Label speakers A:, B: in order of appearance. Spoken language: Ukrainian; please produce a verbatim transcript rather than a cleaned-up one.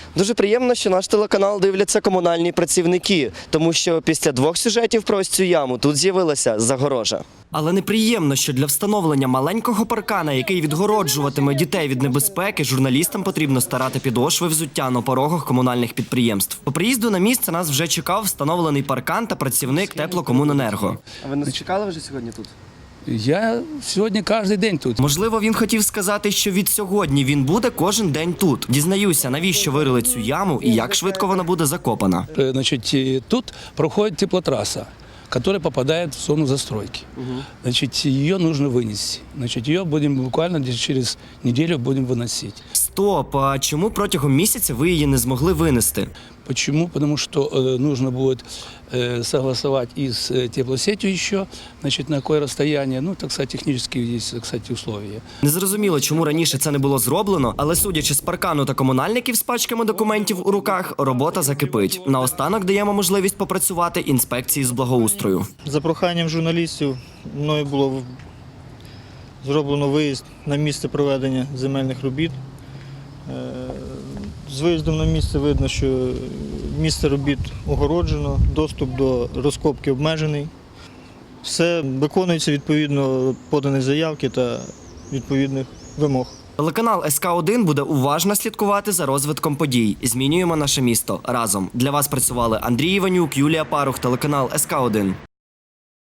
A: Дуже приємно, що наш телеканал дивляться комунальні працівники, тому що після двох сюжетів про ось цю яму тут з'явилася загорожа. Але неприємно, що для встановлення маленького паркана, який відгороджуватиме дітей від небезпеки, журналістам потрібно старати підошви взуття на порогах комунальних підприємств. По приїзду на місце нас вже чекав встановлений паркан та працівник Теплокомуненерго. А ви нас чекали вже сьогодні тут?
B: Я сьогодні кожен день тут.
A: Можливо, він хотів сказати, що від сьогодні він буде кожен день тут. Дізнаюся, навіщо вирили цю яму і як швидко вона буде закопана.
B: Значить, тут проходить теплотрасса, которая попадает в зону застройки. Угу. Значит, ее нужно вынести. Значит, ее будем буквально через неделю будем выносить.
A: Стоп, а чому протягом місяця ви її не змогли винести?
B: Почему? Потому что э, нужно будет э, согласовать и с э, теплосетью еще, значит, на какое расстояние. Ну, так сказать, технически есть, кстати, условия.
A: Незрозуміло, чому раніше це не було зроблено, але судячи з паркану та комунальників з пачками документів у руках, робота закипить. Наостанок даємо можливість попрацювати інспекції з благоустрою.
C: За проханням журналістів мною було зроблено виїзд на місце проведення земельних робіт. З виїздом на місце видно, що місце робіт огороджено, доступ до розкопки обмежений. Все виконується відповідно поданих заявки та відповідних вимог.
A: Телеканал ес ка один буде уважно слідкувати за розвитком подій. Змінюємо наше місто разом. Для вас працювали Андрій Іванюк, Юлія Парух, телеканал ес ка один.